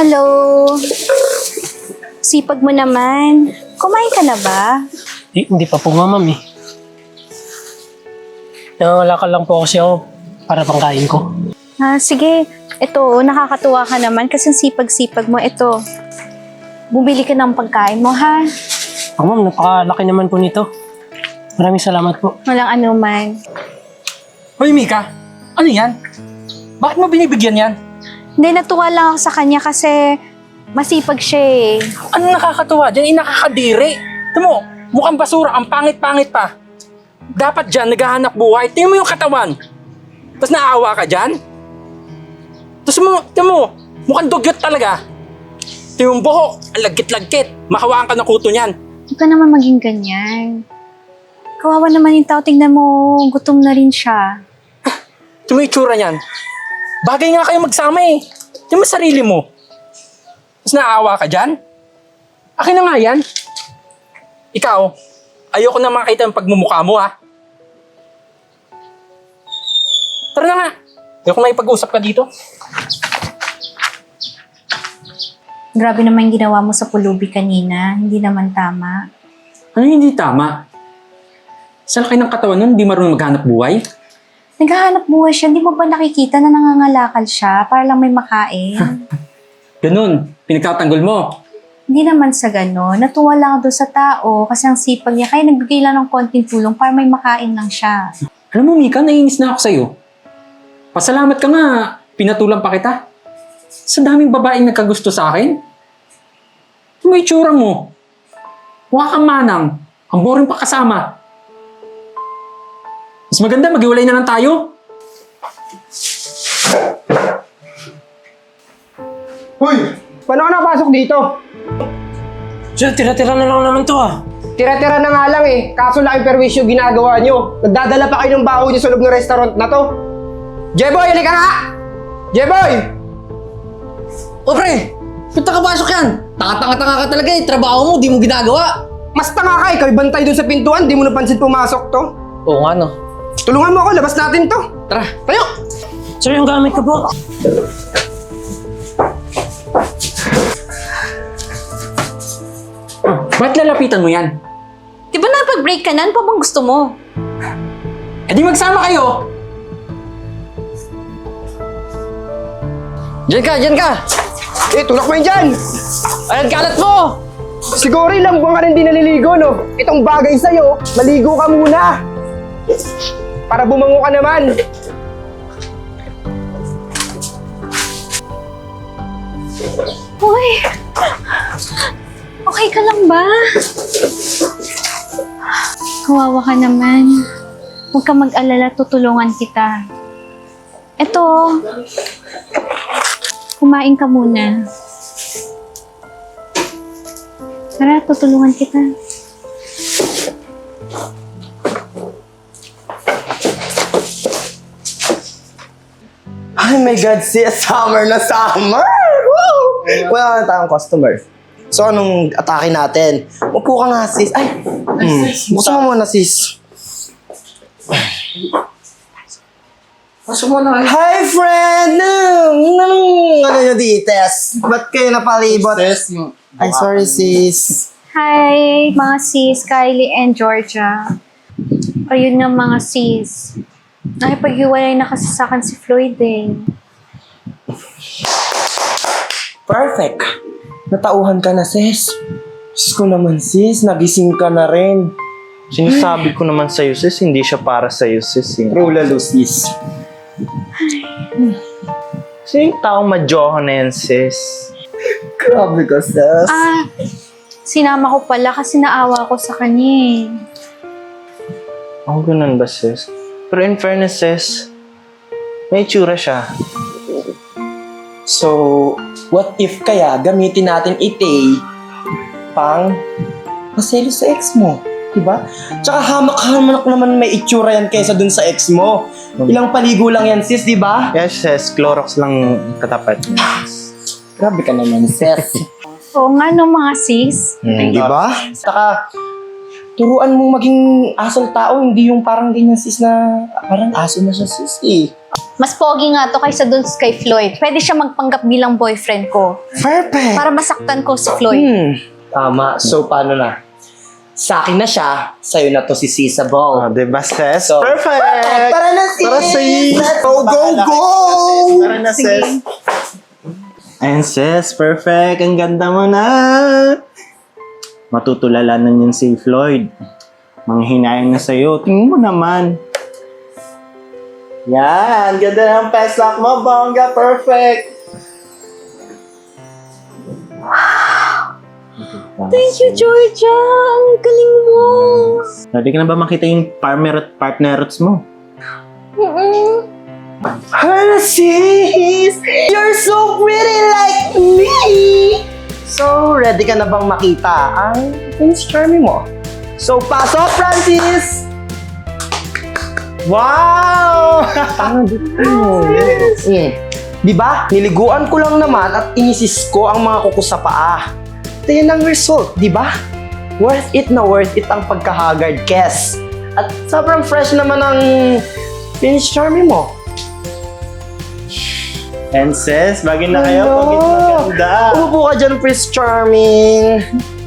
Hello! Sipag mo naman. Kumain ka na ba? Hindi pa po nga, ma'am eh. Nangangalakal lang po kasi ako para pangkain ko. Sige. Ito, nakakatuwa ka naman kasi ang sipag-sipag mo. Ito, bumili ka ng pagkain mo, ha? Oh, ma'am, napakalaki naman po nito. Maraming salamat po. Walang anuman. Hoy, Mika! Ano yan? Bakit mo binibigyan yan? Hindi, natuwa lang ako sa kanya kasi masipag siya eh. Ano nakakatuwa dyan? Nakakadiri. Ito mo, mukhang basura. Ang pangit-pangit pa. Dapat dyan, naghahanap buhay. Tingnan mo yung katawan. Tapos naawa ka dyan? Tapos tingnan mo, mukhang dugyot talaga. Tingnan mo yung buhok, ang lagkit-lagkit. Makawaan ka ng kuto niyan. Huwag ka naman maging ganyan. Kawawa naman yung tao. Tingnan mo, gutom na rin siya. Tingnan mo yung itsura niyan. Bagay nga kayo magsama eh. Tingnan mo sarili mo. Tapos naawa ka dyan? Akin na nga yan. Ikaw, ayoko na makita yung pagmumukha mo ha. Tara na nga. Ayoko na ipag-usap ka dito. Grabe naman yung ginawa mo sa pulubi kanina. Hindi naman tama. Ano hindi tama? Sa laki ng katawan nun, hindi marunong maghanap buhay? Naghahanap buhay siya. Hindi mo ba nakikita na nangangalakal siya para lang may makain? Ganun, pinagtatanggol mo. Hindi naman sa gano'n. Natuwa lang ako doon sa tao kasi ang sipag niya. Kaya nagbigay lang ng konting tulong para may makain lang siya. Alam mo, Mika, naiinis na ako sa'yo. Pasalamat ka nga, pinatulang pa kita. Sa daming babaeng nagkagusto sa akin. Ano yung itsura mo? Mukha kang manang. Ang boring pa kasama. Mas maganda, maghiwalay na lang tayo. Hoy! Paano ka napasok dito? Sir, tira-tira na lang naman to ah. Tira-tira na nga lang eh. Kaso laking perwisyo ginagawa nyo. Nagdadala pa kayo ng baho nyo sa loob ng restaurant na to. Jeboy, halika nga! Jeboy! O pre, ba't nakapasok yan? Tanga-tanga ka talaga eh. Trabaho mo, di mo ginagawa. Mas tanga ka, ikaw bantay dun sa pintuan. Di mo napansin pumasok to. Oo nga no. Tulungan mo ako, labas natin to. Tara, tayo! Sir, yung gamit ko po. Ba't lalapitan mo yan? Di ba napag-break ka na? Ano pa bang gusto mo? Eh di magsama kayo. Diyan ka! Eh, tulak mo yun dyan! Ayan, kalat mo! Siguro ilang buwan ka rin di naliligo, no? Itong bagay sa'yo, maligo ka muna! Para bumango ka naman! Uy! Okay ka lang ba? Kawawa ka naman. Huwag ka mag-alala, tutulungan kita. Eto, kumain ka muna. Tara, tutulungan kita. Ay my God, sis! Summer na summer! Woo! Wala na tayong customer. So, anong atake natin? Upo ka nga, sis. Ay! Buksan mo muna, sis. Pasok mo na. Hi, friend! Ano nyo dites? Ba't kayo napalibot? Ay, sorry, sis. Hi, mga sis, Kylie and Georgia. Ayun nga mga sis. Nakipaghiwalay na kasi sa akin si Floyd eh. Perfect. Natauhan ka na, sis. Sis ko naman, sis. Nagising ka na rin. Sinasabi ko naman sa'yo, sis, hindi siya para sa'yo, sis. True lalo, sis. Sino yung taong madyohan na yan, sis? Grabe ka, sis. Sinama ko pala kasi naawa ko sa kanya eh. Ang ganun ba, sis? Pero in fairness, sis, may itsura siya. So, what if kaya gamitin natin ite pang maselo sa ex mo? Diba? Tsaka hamak-hamak naman may itsura yan kaysa dun sa ex mo. Ilang paligo lang yan, sis, diba? Yes, sis, Clorox lang katapat. Grabe ka naman, sis. Oo nga no mga sis. Diba? Tsaka, turuan mong maging asal tao, hindi yung parang ganyan, sis, na parang aso na siya, sis, eh. Mas pogi nga to kaysa dun kay Floyd. Pwede siya magpanggap bilang boyfriend ko. Perfect! Para masaktan ko si Floyd. Tama. So, paano na? Sa akin na siya, sa'yo na to si Sisabong. Diba, sis? So, Perfect! Tara na, sis! Tara, sis! Let's go, go, go! Tara na, sis! Ayun, sis. Perfect. Ang ganda mo na. Matutulalanan yun si Floyd. Manghinayang na sa'yo. Tingnan mo naman. Yan. Ganda ng peslak mo, bongga. Perfect. Thank you, Georgia! Ang galing mo! Ready ka na ba makita yung partnerots mo? Hello, sis! You're so pretty like me! So, ready ka na bang makita ang Prince Charming mo? So, pasok, Francis! Wow! Di ba? Niliguan ko lang naman at inisis ko ang mga kuko sa paa. Ito yun ang result, di ba? Worth it na worth it ang pagka-haggard, Kes. At sobrang fresh naman ang Prince Charming mo. And sis, bagay na kayo. Hello. Pagit maganda. Umupo ka dyan, Prince Charming.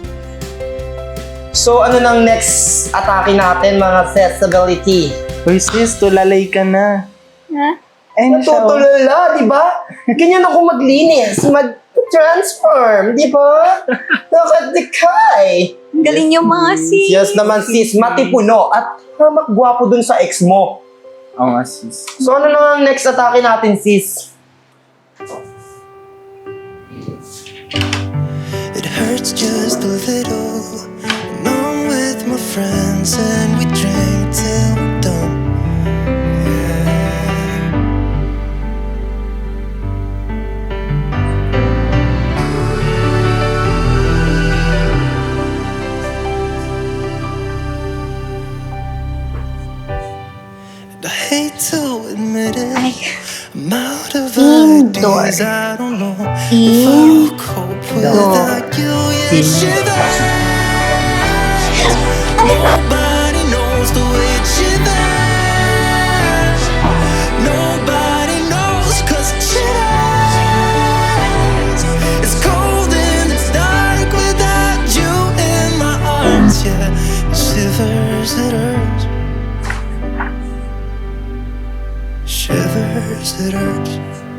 So, ano nang next atake natin, mga accessibility? Uy sis, tulalay ka na. Ha? Ayun siya, oh. Natutulala, di ba? Ganyan ako maglinis, mag-transform, di ba? Nakadikay. Ang galing yung mga sis. Yes naman, sis, matipuno at hamak gwapo dun sa ex mo. Oo nga sis. So, ano na ang next atake natin, sis? It hurts just a little. And I'm with my friends and we drink till we're done. And I hate to admit it. Ay, I'm out of Indoor. ideas. I don't know if I'll cope without you. Yeah, shivers. Nobody knows the way it shivers. Nobody knows 'cause it shivers. It's cold and it's dark without you in my arms. Yeah, it shivers, it hurts. Shivers, it hurts.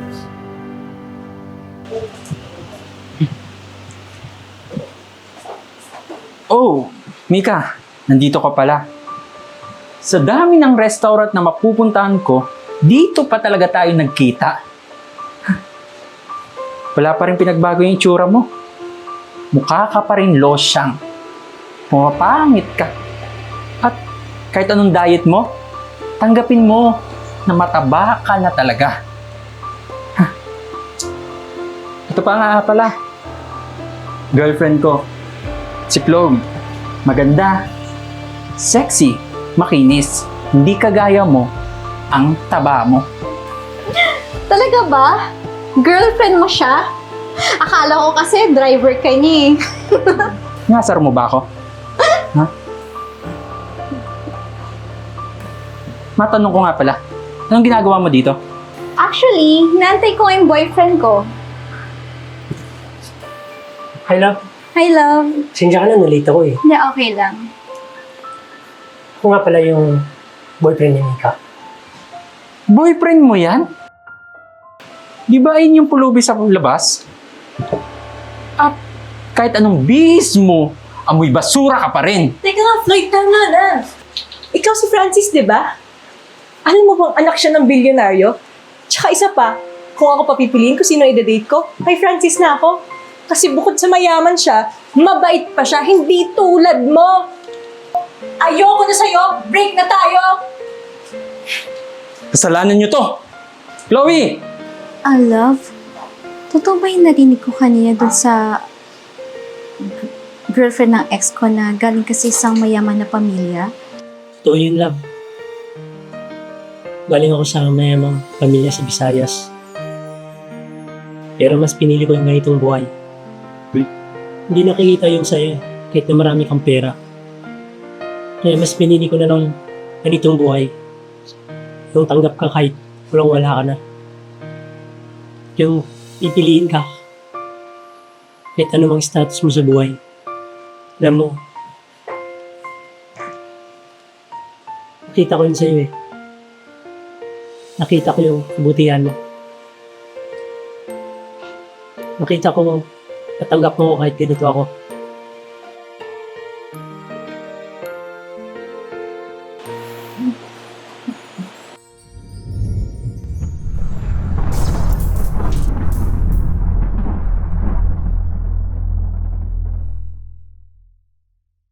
Oh, Mika, nandito ka pala. Sa dami ng restaurant na mapupuntahan ko, dito pa talaga tayo nagkita. Wala pa rin pinagbago yung itsura mo. Mukha ka pa rin losyang. Pumapangit ka. At kahit anong diet mo, tanggapin mo na mataba ka na talaga. Ito pa nga pala. Girlfriend ko. Si Chloe, maganda, sexy, makinis, hindi kagaya mo, ang taba mo. talaga ba? Girlfriend mo siya? Akala ko kasi driver ka niya eh. Ngasar mo ba ako? Ha? Matanong ko nga pala, anong ginagawa mo dito? Actually, nantay ko yung boyfriend ko. Hi, love. Hi, love. Sensya ka na, nalita ko eh. Hindi, okay lang. Ako nga pala yung boyfriend ni Mika. Boyfriend mo yan? Di ba ayun yung pulubi sa labas? At kahit anong bihis mo, amoy basura ka pa rin. Teka nga, Floyd, tama na. Ikaw si Francis, di ba? Alam mo bang anak siya ng bilyonaryo? Tsaka isa pa, kung ako papipiliin kung sino i-date ko, kay Francis na ako. Kasi bukod sa mayaman siya, mabait pa siya, hindi tulad mo. Ayoko na sa'yo, break na tayo. Kasalanan niyo to. Chloe! Love, totoo ba yung narinig ko kanina dun sa girlfriend ng ex ko na galing kasi isang mayaman na pamilya? Totoo yun, love. Galing ako sa mayamang pamilya sa Visayas. Pero mas pinili ko yung ganitong buhay. Hindi nakikita yung sa'yo kahit na marami kang pera. Kaya mas pinili ko na ng ganitong buhay. Yung tanggap ka kahit Walang-wala ka na. Yung pipiliin ka. Kahit anumang status mo sa buhay. Alam mo, nakita ko yun sa'yo eh. Nakita ko yung kabutihan mo. Nakita ko, natanggap mo kahit ganito ako.